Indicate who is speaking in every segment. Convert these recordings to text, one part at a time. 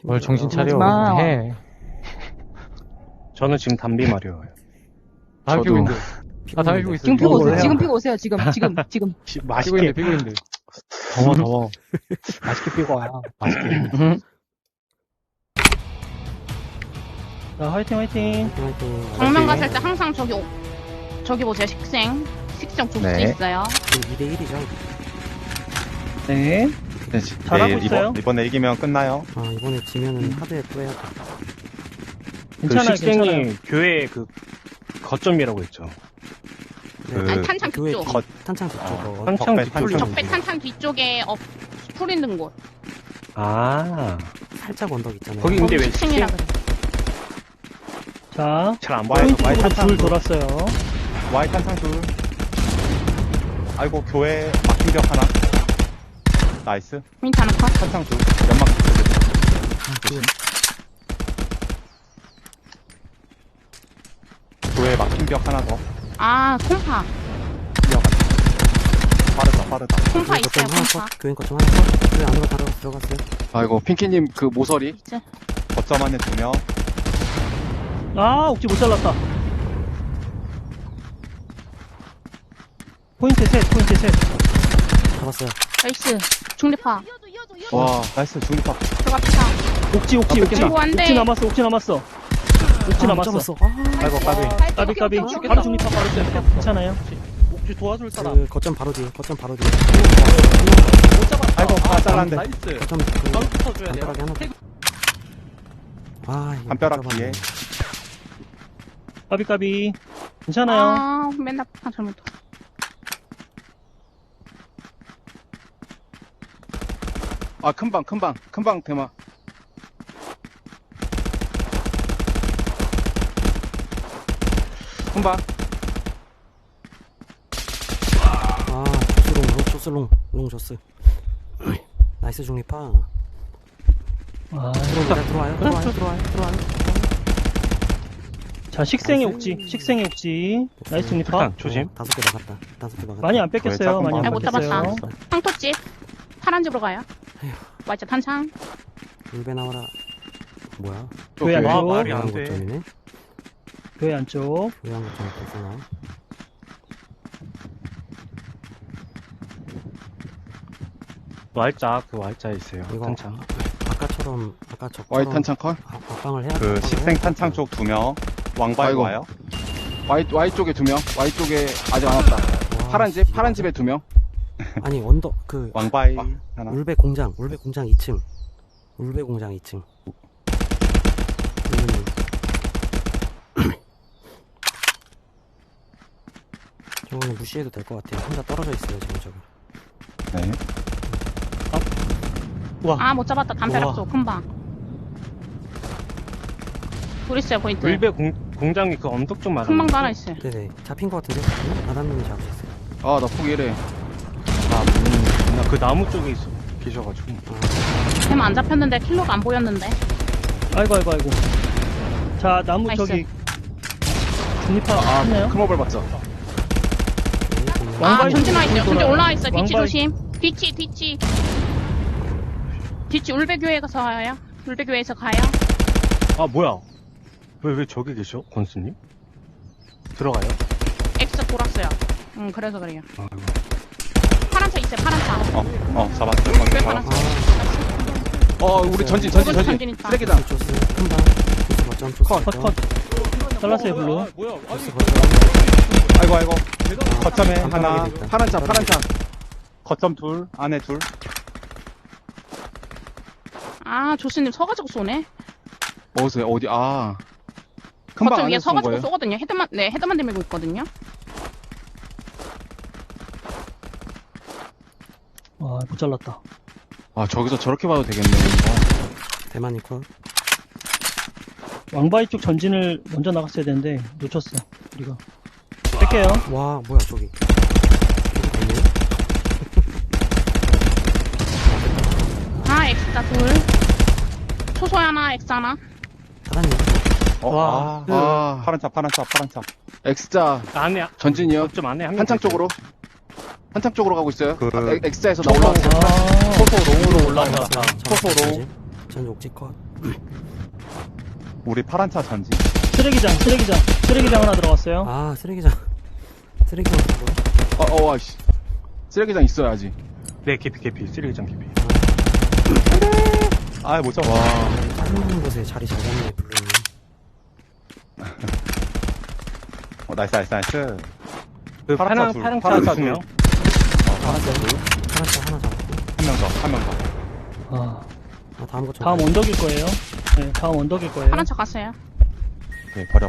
Speaker 1: 뭘 정신 차려.
Speaker 2: 마.
Speaker 1: 해.
Speaker 3: 저는 지금 담비 마려워요.
Speaker 1: 담배 피고 있는데. 아, 담배 피고 있어.
Speaker 2: 지금 피고 오세요.
Speaker 3: 뭐예요?
Speaker 2: 지금 피고 오세요. 지금.
Speaker 1: 피고
Speaker 3: 맛있게
Speaker 1: 있는데, 피고 있는데.
Speaker 3: 더워. 맛있게 피고 와요. 맛있게. 자, 화이팅.
Speaker 4: 정면 갔을 때 항상 저기 보세요. 식생 줄 수
Speaker 5: 네.
Speaker 4: 있어요.
Speaker 6: 2대1이죠.
Speaker 3: 네.
Speaker 5: 네,
Speaker 3: 잘하고 있어요.
Speaker 5: 이번에 이기면 끝나요.
Speaker 6: 아, 이번에 지면은 하드에 또 해야 돼.
Speaker 3: 괜찮아요. 식생이 교회 그 거점이라고 했죠.
Speaker 4: 아니, 탄창
Speaker 6: 교회
Speaker 4: 뒤쪽.
Speaker 6: 탄창 뒤쪽.
Speaker 3: 탄창
Speaker 5: 적배,
Speaker 3: 뒤쪽에.
Speaker 5: 탄창.
Speaker 4: 적배 탄창 뒤쪽에 풀 있는 곳.
Speaker 3: 아.
Speaker 6: 살짝 언덕 있잖아요.
Speaker 3: 거기 근데 왜
Speaker 4: 식생이라 그래.
Speaker 3: 자,
Speaker 5: 잘 안 보여요.
Speaker 3: 포인트
Speaker 5: 와이
Speaker 3: 쪽으로
Speaker 5: 탄창
Speaker 3: 둘 돌았어요.
Speaker 5: 와이 탄창 둘. 아이고 교회 막힌 벽 하나. 나이스.
Speaker 4: 민트 하나 컷.
Speaker 5: 탄창 둘. 연막 둘. 교회 막힌 벽 하나 더.
Speaker 4: 아, 콩파.
Speaker 5: 빠르다.
Speaker 4: 콩파 있어요,
Speaker 6: 거점 하나
Speaker 4: 콩파.
Speaker 6: 컷. 교회 거점 하나 컷. 교회 안으로 들어갔어요.
Speaker 7: 아이고 핑키님 그 모서리
Speaker 4: 있지?
Speaker 5: 거점 안에 2명.
Speaker 3: 아, 옥지 못 잘랐다. 포인트 셋.
Speaker 6: 잡았어요.
Speaker 4: 나이스. 중립파.
Speaker 5: 와 나이스 중립파.
Speaker 4: 들어갑시다.
Speaker 3: 옥지.
Speaker 4: 아이고, 안 돼.
Speaker 3: 옥지 남았어.
Speaker 6: 잡았어.
Speaker 5: 아이고 까비.
Speaker 3: 까비. 바로 중립파 바로 쌤. 괜찮아요.
Speaker 8: 혹시 도와줄 사람?
Speaker 6: 그 거점 바로 뒤에.
Speaker 8: 못 잡았다.
Speaker 5: 아이고 잘랐는데.
Speaker 8: 나이스.
Speaker 6: 거점
Speaker 8: 바로
Speaker 6: 그
Speaker 8: 붙어줘야 돼요.
Speaker 6: 담벼락이 하나 더. 아, 이거
Speaker 5: 담벼락
Speaker 6: 못
Speaker 5: 뒤에.
Speaker 6: 잡았네.
Speaker 3: 까비. 괜찮아요.
Speaker 4: 아, 맨날 잘못.
Speaker 7: 아 큰방 대마 큰방
Speaker 6: 아, 조스롱. 롱 조스. 나이스 중립파.
Speaker 3: 아,
Speaker 6: 들어와요.
Speaker 3: 자, 식생의
Speaker 6: 나이스.
Speaker 3: 옥지. 나이스 중립파.
Speaker 5: 조심.
Speaker 6: 5개 나갔다.
Speaker 3: 많이 안 뺏겼어요.
Speaker 5: 거의
Speaker 3: 많이 안
Speaker 4: 아, 못
Speaker 3: 뺏겼어요.
Speaker 4: 잡았다. 황토집. 파란 집으로 가요. 맞죠, 탄창.
Speaker 6: 울베 나와라. 뭐야?
Speaker 3: 교회
Speaker 5: 교회.
Speaker 3: 안쪽.
Speaker 5: 말이 안
Speaker 6: 교회한
Speaker 5: 돼.
Speaker 6: 거점이네.
Speaker 3: 교회 안쪽.
Speaker 6: 교회한 거점 있구나.
Speaker 3: Y자에 있어요.
Speaker 6: 이거
Speaker 3: 탄창.
Speaker 6: 아까처럼 아까
Speaker 7: 와이
Speaker 6: 적처럼
Speaker 7: 탄창 컷
Speaker 6: 앞방을 해야
Speaker 5: 그 식생 탄창 쪽 2명. 왕바이
Speaker 7: 아이고.
Speaker 5: 와요.
Speaker 7: 와이 쪽에 2명 와이 쪽에 아직 안 왔다 파란 집에 2명
Speaker 6: 아니 언덕 그
Speaker 5: 왕바이 하나.
Speaker 6: 울베 공장 2층. 울베 공장 2층. 저거는 무시해도 될 것 같아요. 혼자 떨어져 있어요 지금 저거.
Speaker 5: 네.
Speaker 4: 아, 못 잡았다. 담벼락
Speaker 3: 우와.
Speaker 4: 쪽, 금방. 둘 있어요, 포인트.
Speaker 3: 울베 공장이 그 언덕 쪽 말하는
Speaker 4: 금방도
Speaker 3: 거죠?
Speaker 4: 하나 있어요.
Speaker 6: 네네 잡힌 것 같은데 나단님이 잡으셨어요.
Speaker 7: 아나 포기래
Speaker 3: 나 그 나무 쪽에 계셔가지고.
Speaker 4: 템 안 잡혔는데, 킬로가 안 보였는데.
Speaker 3: 아이고. 자, 나무
Speaker 4: 나이스.
Speaker 3: 저기. 중립파 했네요?
Speaker 7: 크모벌 맞죠
Speaker 4: 아,
Speaker 3: 왕바이
Speaker 4: 전진 와 있어요. 전진
Speaker 3: 돌아요.
Speaker 4: 올라와 있어요. 뒤치
Speaker 3: 왕바이.
Speaker 4: 조심. 뒤치. 울베교회 가서 와요. 울베교회에서 가요.
Speaker 3: 아, 뭐야. 왜 저기 계셔? 권수님? 들어가요?
Speaker 4: X 돌았어요. 그래서 그래요.
Speaker 3: 아이고.
Speaker 4: 파란 차 있어요, 파란 차.
Speaker 5: 잡았어.
Speaker 4: 울베 파란 차.
Speaker 7: 우리 전진
Speaker 4: 전진 있다.
Speaker 7: 쓰레기다
Speaker 6: 조스 큰방 조스 거점 조스
Speaker 3: 컷.
Speaker 6: 거점.
Speaker 3: 잘랐어요, 블루.
Speaker 8: 뭐야?
Speaker 6: 조스 거점.
Speaker 5: 아이고. 거점에 하나.
Speaker 6: 담벼락에 있다.
Speaker 7: 파란 차
Speaker 5: 거점 둘. 안에 둘.
Speaker 4: 아, 조스님 서가지고 쏘네.
Speaker 7: 어디서 어디 큰방
Speaker 4: 거점 위에
Speaker 7: 안에서 쏜
Speaker 4: 서가지고
Speaker 7: 거예요
Speaker 4: 쏘거든요. 헤드만 대밀고 있거든요.
Speaker 3: 아, 못 잘랐다.
Speaker 7: 저기서 저렇게 봐도 되겠네
Speaker 6: 대만이 컷.
Speaker 3: 왕바이 쪽 전진을 먼저 나갔어야 되는데, 놓쳤어, 우리가. 뺄게요.
Speaker 6: 와 뭐야 저기. 저기 되네.
Speaker 4: 아, X자 둘. 초소 하나, X 하나.
Speaker 6: 사단님
Speaker 3: 와.
Speaker 5: 파란 차.
Speaker 7: X자
Speaker 3: 안에,
Speaker 7: 전진이요
Speaker 3: 좀 안에 한 명.
Speaker 7: 한창 쪽으로 가고 있어요
Speaker 5: 그-
Speaker 7: X자에서 나 올라왔어요
Speaker 3: 아,
Speaker 5: 소소 롱으로 올라가.
Speaker 6: 잡았어요.
Speaker 5: 초소로.
Speaker 6: 전 옥지 컷.
Speaker 5: 우리 파란 차 전지.
Speaker 3: 쓰레기장 하나 들어갔어요.
Speaker 6: 아, 쓰레기장. 쓰레기장 저거.
Speaker 7: 아씨. 쓰레기장 있어야지.
Speaker 1: 네, 개피. 쓰레기장 개피.
Speaker 5: 아, 못 잡아.
Speaker 6: 빠져나오는 곳에 자리 잘 잡네, 블루님.
Speaker 5: 나이스.
Speaker 1: 그
Speaker 5: 파란 차 둘,
Speaker 1: 파란
Speaker 5: 파란 차
Speaker 1: 차 두 명.
Speaker 6: 파란색 하나 잡았고.
Speaker 5: 한 명 더.
Speaker 3: 아,
Speaker 6: 다음 거
Speaker 3: 다음 언덕일 거예요. 네, 다음 언덕일 거예요.
Speaker 4: 파란 차 갔어요.
Speaker 5: 오케이, 버려.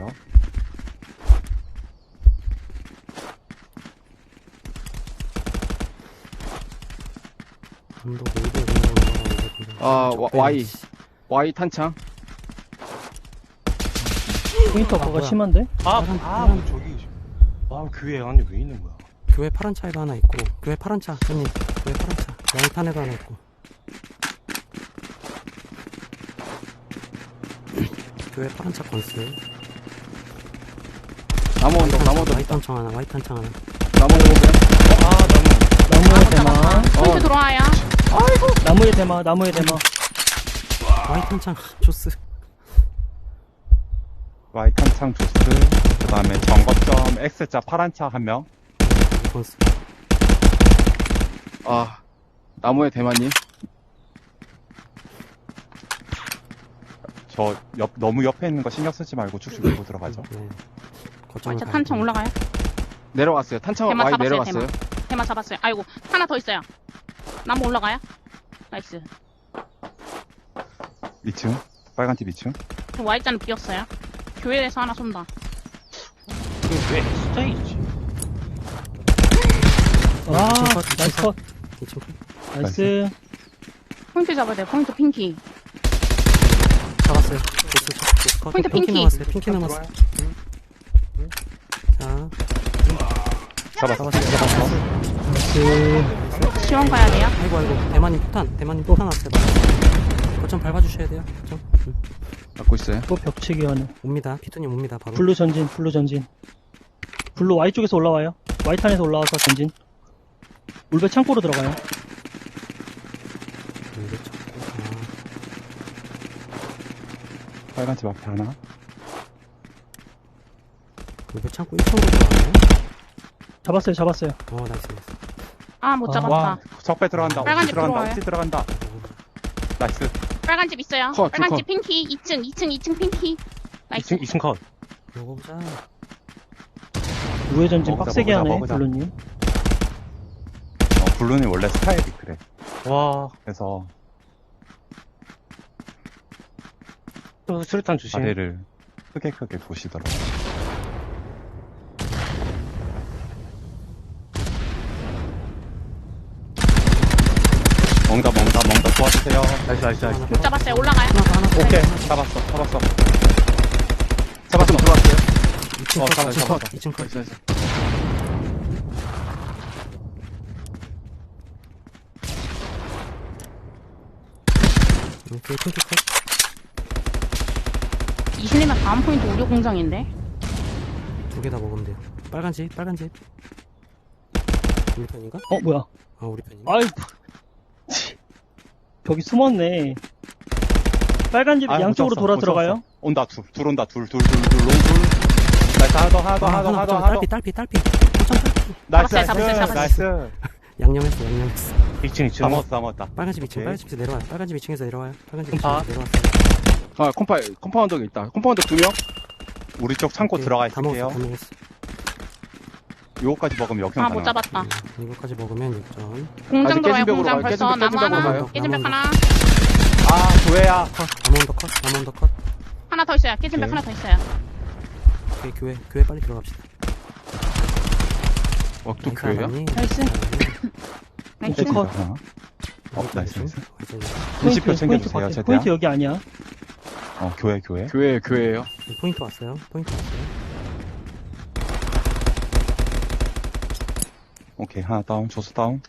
Speaker 6: 언덕 올고
Speaker 7: Y 탄창.
Speaker 3: 포인터
Speaker 6: 아,
Speaker 3: 그거
Speaker 6: 뭐야.
Speaker 3: 심한데?
Speaker 1: 저기. 교회 안에 왜 있는 거야?
Speaker 6: 교회 파란 차에도 하나 있고, 교회 파란 차, 손님. 교회 파란 차. 양탄에도 하나 있고. 교회 파란 차 건스.
Speaker 7: 나무 언덕.
Speaker 6: 와이트 탄창 하나, 와이트 탄창 하나.
Speaker 7: 나무 언덕.
Speaker 3: 나무의
Speaker 4: 못 잡았다.
Speaker 3: 대마.
Speaker 4: 포인트 들어와요.
Speaker 3: 나무의 대마.
Speaker 6: 와이트 탄창, 조스.
Speaker 5: Y 탄창 조스. 그 다음에 정거점 X자 파란 차 한 명.
Speaker 6: 건스.
Speaker 7: 나무의 대만님.
Speaker 5: 저 너무 옆에 있는 거 신경 쓰지 말고 쭉쭉 밀고 들어가죠.
Speaker 6: 네. 거점을
Speaker 4: 자,
Speaker 6: 가야
Speaker 4: 탄창
Speaker 6: 돼.
Speaker 4: 올라가요.
Speaker 7: 내려왔어요. 탄창
Speaker 4: 대만
Speaker 7: Y
Speaker 4: 잡았어요,
Speaker 7: 내려갔어요.
Speaker 4: 대만 잡았어요. 아이고, 하나 더 있어요. 나무 올라가요. 나이스.
Speaker 5: 2층. 빨간 팀 2층.
Speaker 4: 저 Y자는 비었어요. 교회에서 하나 쏜다.
Speaker 1: 이게 왜 숫자에 있지?
Speaker 3: 아,
Speaker 6: 이층 컷,
Speaker 3: 나이스 컷.
Speaker 6: 이층 컷.
Speaker 3: 나이스.
Speaker 4: 포인트 잡아야 돼요. 포인트 핑키.
Speaker 6: 잡았어요. 조스 컷.
Speaker 4: 포인트 핑키.
Speaker 6: 남았어요. 핑키 남았어요. 자,
Speaker 5: 잡았어.
Speaker 3: 나이스.
Speaker 4: 지원 가야 돼요.
Speaker 6: 아이고. 대만님 폭탄 왔어요. 거점 밟아주셔야 돼요. 거점.
Speaker 7: 갖고 있어요.
Speaker 3: 또 벽치기 하네.
Speaker 6: 옵니다. 피투님 옵니다. 바로.
Speaker 3: 블루 전진. 블루 Y 쪽에서 올라와요. Y탄에서 올라와서 전진. 울배 창고로 들어가요.
Speaker 6: 이게 자꾸,
Speaker 5: 빨간 집 앞에 하나.
Speaker 6: 이거 창고 1층으로 들어가네.
Speaker 3: 잡았어요.
Speaker 6: 나이스.
Speaker 4: 아, 못
Speaker 3: 아.
Speaker 4: 잡았다.
Speaker 5: 와, 적배 들어간다.
Speaker 4: 빨간
Speaker 5: 옥지
Speaker 4: 집
Speaker 5: 들어간다.
Speaker 4: 들어와요.
Speaker 5: 옥지 들어간다. 나이스.
Speaker 4: 빨간 집 있어요.
Speaker 7: 컷,
Speaker 4: 빨간
Speaker 7: 컷.
Speaker 4: 집 핑키. 2층 핑키. 나이스.
Speaker 1: 2층 컷.
Speaker 6: 먹어보자.
Speaker 3: 우회 전진
Speaker 5: 먹자,
Speaker 3: 빡세게 하네.
Speaker 5: 먹자.
Speaker 3: 블루님.
Speaker 5: 블루는 원래 스타일이 그래.
Speaker 1: 와,
Speaker 5: 그래서
Speaker 1: 또 수류탄 주심.
Speaker 5: 다리를 크게 보시더라고요. 멍다 도와주세요.
Speaker 1: 나이스.
Speaker 4: 못 잡았어요. 올라가요.
Speaker 5: 오케이. 잡았어.
Speaker 7: 잡았으면 들어왔어요.
Speaker 6: 2층 컷,
Speaker 5: 잡았어.
Speaker 6: 2층 컷.
Speaker 7: 나이스.
Speaker 6: 오케이, 핑키 컷.
Speaker 4: 이신이면 다음 포인트 우려 공장인데.
Speaker 6: 2개 다 먹으면 돼요. 빨간 집. 우리 편인가?
Speaker 3: 뭐야.
Speaker 6: 우리 편인가?
Speaker 3: 아이, 벽이 숨었네. 빨간 집
Speaker 5: 아,
Speaker 3: 양쪽으로
Speaker 5: 못
Speaker 3: 돌아
Speaker 5: 잡았어.
Speaker 3: 들어가요.
Speaker 5: 온다. 둘 온다. 둘 롱둘. 나이스. 하나 더.
Speaker 6: 딸피. 거점 딸피.
Speaker 4: 잡았어요.
Speaker 5: 나이스.
Speaker 6: 양념했어.
Speaker 1: 2층.
Speaker 5: 넘었다.
Speaker 6: 빨간 집 2층,
Speaker 5: 오케이.
Speaker 6: 빨간 집에서 내려와요. 빨간 집 2층에서 내려와요. 빨간 집
Speaker 1: 아.
Speaker 6: 2층에서 내려왔어요.
Speaker 7: 컴파운더가 있다. 컴파운더 2명?
Speaker 5: 우리 쪽 창고
Speaker 6: 오케이,
Speaker 5: 들어가
Speaker 6: 다
Speaker 5: 있을게요.
Speaker 6: 먹었어.
Speaker 5: 요거까지 먹으면 역경
Speaker 4: 아, 못
Speaker 5: 가능하다.
Speaker 4: 잡았다.
Speaker 6: 이거까지 먹으면 6점.
Speaker 4: 공장
Speaker 7: 아직
Speaker 4: 들어와요.
Speaker 7: 깨진 벽으로
Speaker 4: 공장
Speaker 7: 가요.
Speaker 4: 벌써
Speaker 7: 깨진
Speaker 4: 나무
Speaker 7: 벽으로
Speaker 4: 하나.
Speaker 7: 가요.
Speaker 4: 깨진 벽
Speaker 6: 나무
Speaker 4: 하나.
Speaker 5: 교회야.
Speaker 6: 나무 언더 컷.
Speaker 4: 하나 더 있어요. 깨진 벽
Speaker 5: 오케이.
Speaker 4: 하나 더 있어요.
Speaker 6: 오케이, 교회 빨리 들어갑시다.
Speaker 7: 또 교회야?
Speaker 4: 나이스. 나이스.
Speaker 3: 왼쪽 컷.
Speaker 5: 하나. 나이스.
Speaker 3: 포인트
Speaker 5: 20표 챙겨주세요,
Speaker 3: 컷.
Speaker 5: 최대한.
Speaker 3: 포인트 여기 아니야.
Speaker 5: 교회.
Speaker 7: 교회예요.
Speaker 6: 포인트 왔어요.
Speaker 5: 오케이, 하나 다운, 조수 다운.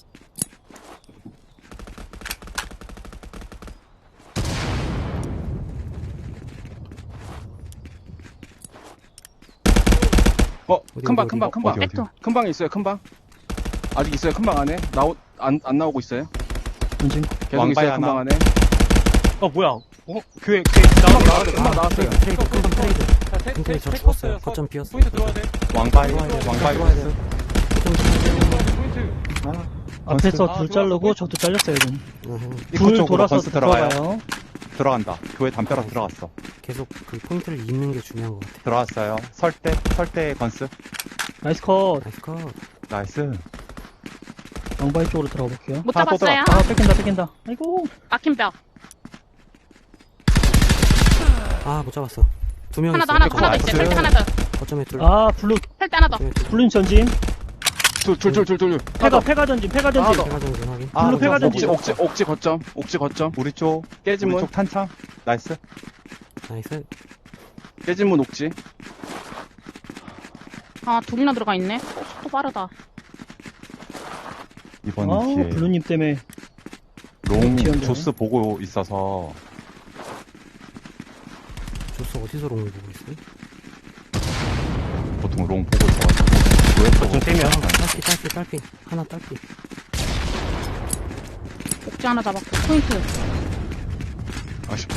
Speaker 7: 큰방.
Speaker 5: 어디?
Speaker 4: 백도.
Speaker 7: 큰방에 있어요, 큰방. 아직 있어요, 큰방 안에. 안 나오고 있어요.
Speaker 3: 전진.
Speaker 7: 계속
Speaker 5: 왕바이
Speaker 7: 있어요,
Speaker 5: 하나.
Speaker 7: 큰방 안에.
Speaker 1: 뭐야? 교회 나왔다.
Speaker 7: 나왔어요.
Speaker 6: 트레이드, 큰방 트레이드. 근데 저 죽었어요. 거점 비었어요.
Speaker 1: 포인트 들어와야 돼.
Speaker 5: 왕바이,
Speaker 6: 들어와야 돼요.
Speaker 5: 왕바이
Speaker 6: 들어와야
Speaker 5: 건스.
Speaker 6: 돼요. 거점 비었어요.
Speaker 1: 포인트.
Speaker 3: 앞에서
Speaker 1: 아,
Speaker 3: 둘
Speaker 1: 들어와,
Speaker 3: 자르고 저도 잘렸어요, 지금.
Speaker 5: 입구
Speaker 3: 둘
Speaker 5: 쪽으로
Speaker 3: 돌아서
Speaker 5: 건스 들어가요.
Speaker 3: 들어가요.
Speaker 5: 들어간다. 교회 담벼락 들어갔어.
Speaker 6: 계속 그 포인트를 잇는 게 중요한 것 같아.
Speaker 5: 들어왔어요. 설대 건스.
Speaker 3: 나이스 컷.
Speaker 6: 나이스 컷.
Speaker 5: 나이스.
Speaker 3: 왕바이 쪽으로 들어가 볼게요.
Speaker 4: 못
Speaker 5: 하나 또
Speaker 4: 잡았어요.
Speaker 3: 아, 뺏긴다. 아이고.
Speaker 4: 막힌 벽.
Speaker 6: 아, 못 잡았어. 두 명
Speaker 4: 하나
Speaker 6: 있어.
Speaker 4: 더 있어요.
Speaker 5: 나이스.
Speaker 4: 설대 하나 더.
Speaker 6: 거점에 둘.
Speaker 3: 아, 블루,
Speaker 4: 설대 하나 더.
Speaker 6: 거점에 둘.
Speaker 3: 블루님 전진.
Speaker 7: 둘.
Speaker 3: 패가 전진.
Speaker 6: 제가 전진 확인.
Speaker 3: 블루 패가 전진.
Speaker 7: 옥지 거점.
Speaker 5: 우리 쪽.
Speaker 7: 깨진
Speaker 5: 우리
Speaker 7: 문.
Speaker 5: 쪽 탄창. 나이스.
Speaker 6: 나이스.
Speaker 7: 깨진 문 옥지.
Speaker 4: 아, 둘이나 들어가 있네. 속도 빠르다.
Speaker 5: 이번
Speaker 3: 아우,
Speaker 5: 기회에
Speaker 3: 블루님 때문에.
Speaker 5: 롱
Speaker 3: 지연되네.
Speaker 5: 조스 보고 있어서
Speaker 6: 조스 어디서 롱을 보고 있어요?
Speaker 5: 보통 롱 보고 있어가지고
Speaker 1: 거점 떼면.
Speaker 6: 딸피. 하나 딸피.
Speaker 4: 옥지 하나 잡았고. 포인트.
Speaker 5: 아쉽다.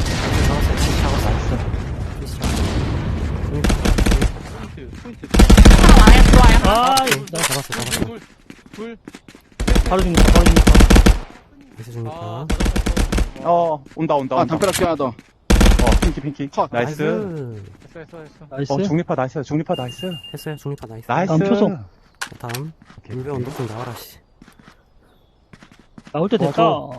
Speaker 1: 포인트.
Speaker 4: 하나 와요. 들어와요.
Speaker 3: 아,
Speaker 6: 오케이.
Speaker 3: 이거 나
Speaker 6: 잡았어.
Speaker 1: 둘.
Speaker 3: 바로 죽는다.
Speaker 6: 나이스 중립파.
Speaker 5: 온다.
Speaker 7: 아, 담벼락 뒤 하나 더.
Speaker 5: 핑키.
Speaker 7: 컷.
Speaker 5: 나이스.
Speaker 1: 했어.
Speaker 3: 나이스.
Speaker 5: 중립파 나이스. 중립파 나이스.
Speaker 6: 했어요. 중립파 나이스.
Speaker 5: 나이스.
Speaker 3: 다음 표성.
Speaker 6: 다음.
Speaker 5: 오케이,
Speaker 6: 물배
Speaker 5: 오케이.
Speaker 6: 언덕 좀 나와라, 씨.
Speaker 3: 나올 때 됐다.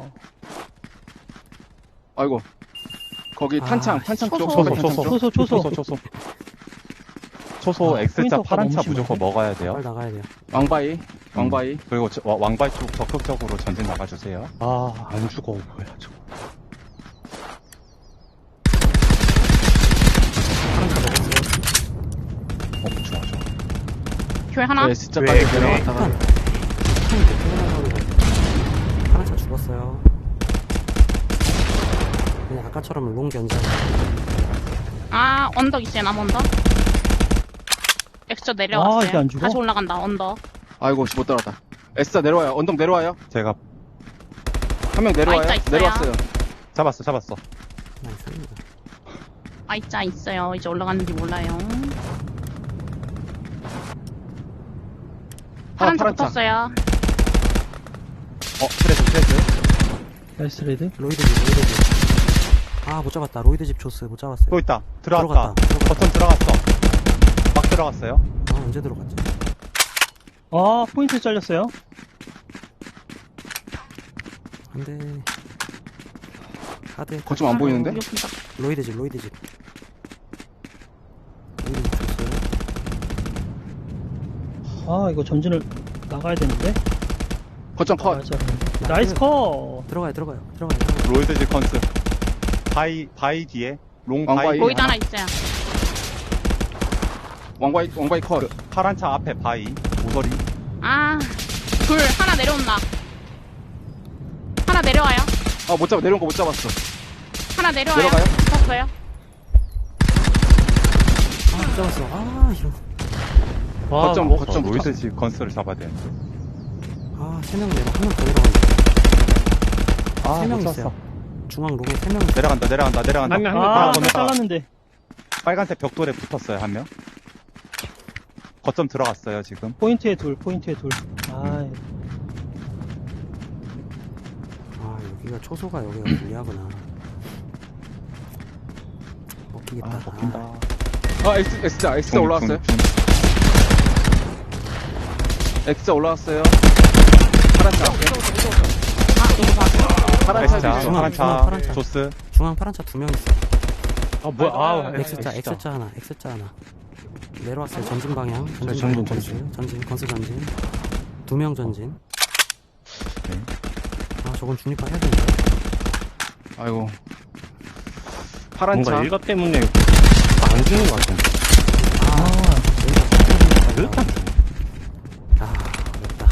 Speaker 7: 아이고. 거기
Speaker 6: 아,
Speaker 7: 탄창 쪽.
Speaker 4: 초소.
Speaker 7: 선배 탄창 쪽.
Speaker 3: 초소.
Speaker 5: 초소
Speaker 3: 아,
Speaker 5: X자
Speaker 3: 포인트가
Speaker 5: 파란차
Speaker 3: 너무
Speaker 5: 무조건
Speaker 3: 심한데?
Speaker 5: 먹어야 돼요.
Speaker 6: 빨리 나가야 돼요.
Speaker 7: 왕바이.
Speaker 5: 그리고 왕바이 쪽 적극적으로 전진 나가주세요.
Speaker 1: 안 죽어. 뭐야, 저거.
Speaker 5: 좋아.
Speaker 4: 교회 하나.
Speaker 7: 네, S자까지
Speaker 1: 왜,
Speaker 7: 내려갔다가.
Speaker 6: 파란 차 죽었어요. 그냥 아까처럼 롱 견제.
Speaker 4: 아, 언덕 있어요. 남 언덕. 엑스저 내려왔어요.
Speaker 3: 아, 이게 안 죽어?
Speaker 4: 다시 올라간다. 언덕.
Speaker 7: 아이고, 못 따라왔다. S자 내려와요. 언덕 내려와요.
Speaker 5: 제가
Speaker 7: 한 명 내려와요.
Speaker 4: 있어요.
Speaker 7: 내려왔어요.
Speaker 5: 잡았어.
Speaker 6: 나이스.
Speaker 4: I자 있어요. 이제 올라갔는지 몰라요. 파란 차
Speaker 7: 파란 차.
Speaker 4: 붙었어요.
Speaker 5: 트레스.
Speaker 3: 나이스 레드.
Speaker 6: 로이드 집. 아, 못 잡았다. 로이드 집 조스 못 잡았어요.
Speaker 5: 또 있다. 들어갔다.
Speaker 6: 들어갔다.
Speaker 5: 버튼 들어갔어. 막 들어갔어요.
Speaker 6: 아, 언제 들어갔지?
Speaker 3: 아, 포인트 잘렸어요.
Speaker 6: 안 돼. 카드.
Speaker 7: 거점 안 보이는데?
Speaker 4: 여기다.
Speaker 6: 로이드 집. 로이드 집 조스.
Speaker 3: 아, 이거 전진을 나가야 되는데.
Speaker 7: 거점 컷.
Speaker 3: 아, 잘했는데. 나이스 컷.
Speaker 6: 들어가요.
Speaker 5: 로이드 지컨스. 바이 뒤에. 롱 바이.
Speaker 7: 왕바이.
Speaker 4: 거기도 하나 있어요.
Speaker 7: 왕바이 컷.
Speaker 5: 그 파란 차 앞에 바이. 모서리.
Speaker 4: 아, 둘. 하나 내려온다. 하나 내려와요.
Speaker 7: 아, 못 잡아. 내려온 거 못 잡았어.
Speaker 4: 하나 내려와요.
Speaker 7: 내려가요?
Speaker 4: 붙었어요.
Speaker 6: 아, 못 잡았어. 아, 이런.
Speaker 7: 거점
Speaker 5: 로이드 지컨스를 잡아야 돼.
Speaker 6: 아, 3명 내려. 한 명 더 내려간다.
Speaker 5: 아,
Speaker 6: 세 명
Speaker 5: 못
Speaker 6: 있어요.
Speaker 5: 쐈어.
Speaker 6: 중앙 롱에 3명 있어요.
Speaker 5: 내려간다.
Speaker 1: 한 명.
Speaker 3: 아,
Speaker 5: 건너가.
Speaker 3: 잘랐는데.
Speaker 5: 빨간색 벽돌에 붙었어요, 한 명. 거점 들어갔어요, 지금.
Speaker 3: 포인트에 둘. 아,
Speaker 6: 아, 여기가 초소가 여기가 불리하구나. 먹히겠다.
Speaker 5: 먹힌다.
Speaker 7: 아, X자 올라왔어요. X자 올라왔어요. 파란 차.
Speaker 4: 아, 이거 봤어.
Speaker 7: 파란 차.
Speaker 5: X자,
Speaker 6: 중앙,
Speaker 5: 파란
Speaker 6: 파란
Speaker 5: 차,
Speaker 6: 차.
Speaker 5: 조스.
Speaker 6: 중앙 파란 차 2명 있어.
Speaker 1: 아, 뭐야. 아,
Speaker 6: X자 하나. 내려왔어요. 전진 방향.
Speaker 1: 전진.
Speaker 6: 건스 전진. 2명 전진.
Speaker 5: 네.
Speaker 6: 아, 저건 중립화 해야 되는데.
Speaker 7: 아이고. 파란
Speaker 1: 뭔가
Speaker 7: 차.
Speaker 1: 일가 때문에 안 주는 것 같은데. 일단
Speaker 6: 아, 어렵다.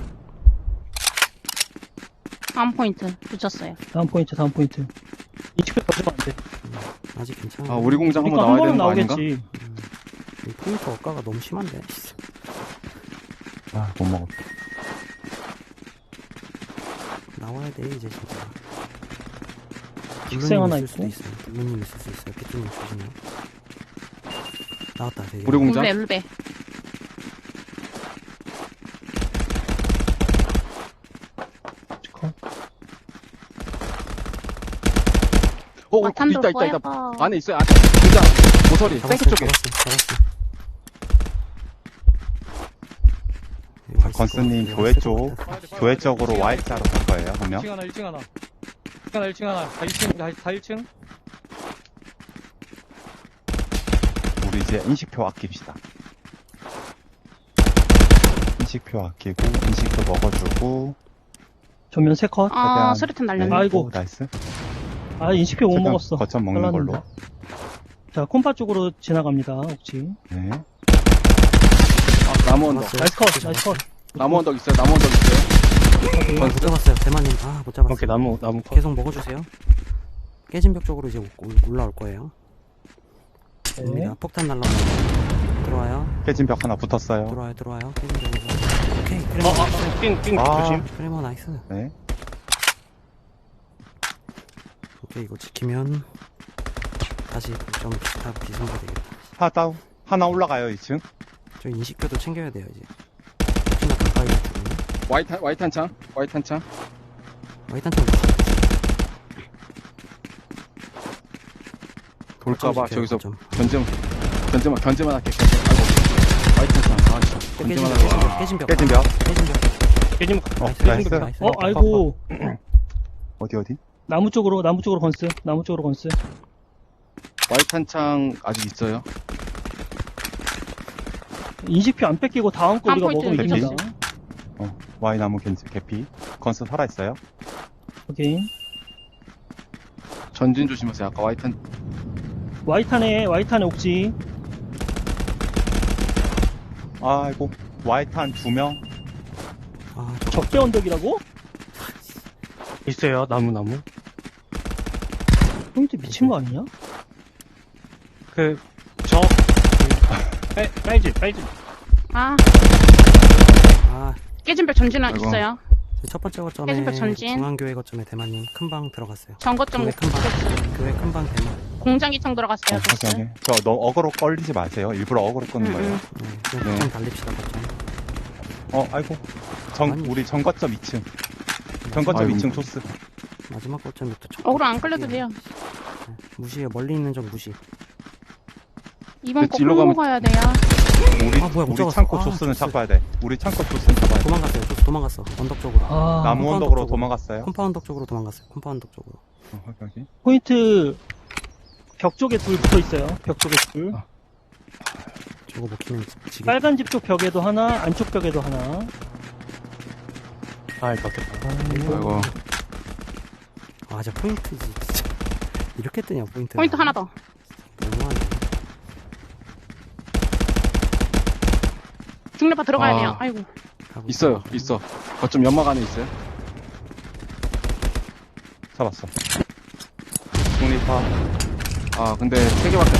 Speaker 4: 다음 포인트. 붙였어요.
Speaker 3: 다음 포인트. 이 집에 가지면 안 돼.
Speaker 6: 아직 괜찮아.
Speaker 7: 아, 우리 공장 한번
Speaker 3: 그러니까 한
Speaker 7: 나와야
Speaker 3: 번은
Speaker 7: 되는 거 아닌가?
Speaker 3: 나오겠지.
Speaker 6: 이 포인트 억가가 너무 심한데.
Speaker 5: 아, 못 먹었다.
Speaker 6: 나와야 돼, 이제 진짜.
Speaker 3: 식생 하나
Speaker 6: 있을 수도
Speaker 3: 있고.
Speaker 6: 있어요. 블루님 있을 수 있어요. 피투님 조심해요. 나왔다. 되게.
Speaker 7: 우리 공장.
Speaker 4: 울베.
Speaker 3: 컷.
Speaker 4: 와탄도
Speaker 7: 있다.
Speaker 4: 포에버.
Speaker 7: 안에 있어요. 안에. 공장. 모서리. 생크 쪽에.
Speaker 6: 잡았어. 여기 있을
Speaker 5: 건스님
Speaker 6: 것
Speaker 5: 교회
Speaker 6: 같아.
Speaker 5: 쪽, 교회 쪽으로 Y자로 갈 거예요, 한 명.
Speaker 1: 1층 하나, 1층 하나. 1층 하나. 다 1층, 다 1층.
Speaker 5: 우리 이제 인식표 아낍시다. 인식표 아끼고, 인식표 먹어주고.
Speaker 3: 전면 3컷.
Speaker 4: 아,
Speaker 5: 최대한-
Speaker 4: 수류탄 날렸네.
Speaker 5: 네,
Speaker 3: 아이고.
Speaker 5: 오, 나이스.
Speaker 3: 아, 인식표 못
Speaker 5: 최대한
Speaker 3: 먹었어.
Speaker 5: 거점 먹는 걸로.
Speaker 3: 잘랐는데. 자, 콤파 쪽으로 지나갑니다, 옥지.
Speaker 5: 네.
Speaker 7: 나무 언덕.
Speaker 6: 잡았어요.
Speaker 3: 나이스 컷, 나이스 컷.
Speaker 7: 나무 언덕 있어요. 나무 언덕 있어요.
Speaker 6: 못 잡았어요. 대만님. 아, 못 잡았어요.
Speaker 1: 오케이, 나무 컷.
Speaker 6: 계속 먹어주세요. 깨진 벽 쪽으로 이제 올라올 거예요.
Speaker 3: 네.
Speaker 6: 됩니다. 폭탄 날라오고 들어와요.
Speaker 5: 깨진 벽 하나 붙었어요.
Speaker 6: 들어와요. 깨진 벽에서. 오케이. 크레모 나이스.
Speaker 1: 삥,
Speaker 5: 아.
Speaker 1: 조심.
Speaker 6: 크레모 나이스.
Speaker 5: 네.
Speaker 6: 오케이, 이거 지키면 다시 좀 다 비승가 되겠다.
Speaker 5: 하나 다운. 하나 올라가요, 2층.
Speaker 6: 저 인식표도 챙겨야 돼요, 이제. 혹시나 가까이 있거든요.
Speaker 7: 와이탄 창.
Speaker 6: 와이탄 좀
Speaker 7: 돌까봐
Speaker 6: 지켜요,
Speaker 7: 저기서
Speaker 6: 좀.
Speaker 7: 견제만 할게. 아이고. 와이탄 창. 아, 씨. 견제만 하고.
Speaker 6: 깨진 벽.
Speaker 5: 깨진 벽.
Speaker 1: 깨진
Speaker 5: 나이스.
Speaker 3: 아이고.
Speaker 5: 어디?
Speaker 3: 나무 쪽으로 건스.
Speaker 7: 와이탄 창 아직 있어요.
Speaker 3: 인식표 안 뺏기고 다음 거
Speaker 4: 한
Speaker 3: 우리가
Speaker 4: 포인트
Speaker 3: 먹으면
Speaker 5: 개피?
Speaker 3: 이깁니다.
Speaker 5: Y나무 겐지 개피. 건스 살아있어요.
Speaker 3: 오케이.
Speaker 7: 전진 조심하세요. 아까 와이탄.
Speaker 3: 와이탄에 옥지.
Speaker 5: 아이고. Y탄 2명.
Speaker 6: 아,
Speaker 3: 적대 언덕이라고?
Speaker 1: 있어요, 나무.
Speaker 3: 포인트 미친 거 아니냐?
Speaker 1: 빨집.
Speaker 4: 아,
Speaker 6: 아,
Speaker 4: 깨진 벽 전진
Speaker 7: 아이고.
Speaker 4: 있어요.
Speaker 6: 첫 번째 거점에
Speaker 4: 깨진벽 전진.
Speaker 6: 중앙교회 거점에 대만님 큰 방 들어갔어요.
Speaker 4: 전거점
Speaker 6: 교회 큰 방 대만.
Speaker 4: 공장 2층 들어갔어요. 보스.
Speaker 5: 확인하게. 저 너무 어그로 걸리지 마세요. 일부러 어그로 끄는 거예요.
Speaker 6: 네, 그냥
Speaker 5: 네.
Speaker 6: 거점 달립시다 거점.
Speaker 5: 아이고.
Speaker 6: 아니.
Speaker 5: 우리 정거점 2층. 정거점
Speaker 7: 아이고.
Speaker 5: 2층 토스.
Speaker 6: 마지막 거점부터
Speaker 4: 어그로 안 끌려도 돼요.
Speaker 6: 무시해. 멀리 있는 적 무시.
Speaker 4: 이번 거
Speaker 7: 일로
Speaker 4: 끌고
Speaker 7: 가면-
Speaker 4: 가야 돼요.
Speaker 5: 우리,
Speaker 6: 아, 뭐야, 못
Speaker 5: 우리
Speaker 6: 잡았어.
Speaker 5: 창고
Speaker 6: 아,
Speaker 5: 조스는
Speaker 6: 조스.
Speaker 5: 잡아야 돼. 우리 창고 조스는 잡아야 돼.
Speaker 6: 도망갔어요. 도망갔어. 언덕 쪽으로.
Speaker 3: 아,
Speaker 5: 나무
Speaker 6: 컴파운드
Speaker 5: 언덕으로
Speaker 6: 쪽으로.
Speaker 5: 도망갔어요.
Speaker 6: 컴파운드 쪽으로 도망갔어요. 컴파운드 쪽으로.
Speaker 5: 여기.
Speaker 3: 포인트 벽 쪽에 둘 붙어 있어요. 벽 쪽에 둘.
Speaker 6: 저거 먹히면 지금.
Speaker 3: 빨간 집 쪽 벽에도 하나, 안쪽 벽에도 하나.
Speaker 1: 막혔다.
Speaker 7: 아이고.
Speaker 6: 아, 진짜 포인트지. 진짜. 이렇게 뜨냐, 포인트.
Speaker 4: 포인트 하나 더.
Speaker 6: 너무하네.
Speaker 4: 중립파 들어가야
Speaker 7: 아.
Speaker 4: 돼요. 아이고.
Speaker 6: 가고
Speaker 7: 있어요. 있어. 거점 연막 안에 있어요.
Speaker 5: 잡았어. 중립파.
Speaker 7: 아, 근데 3개밖에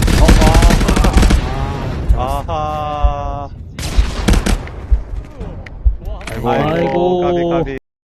Speaker 5: 아하.
Speaker 3: 아이고.
Speaker 5: 가비.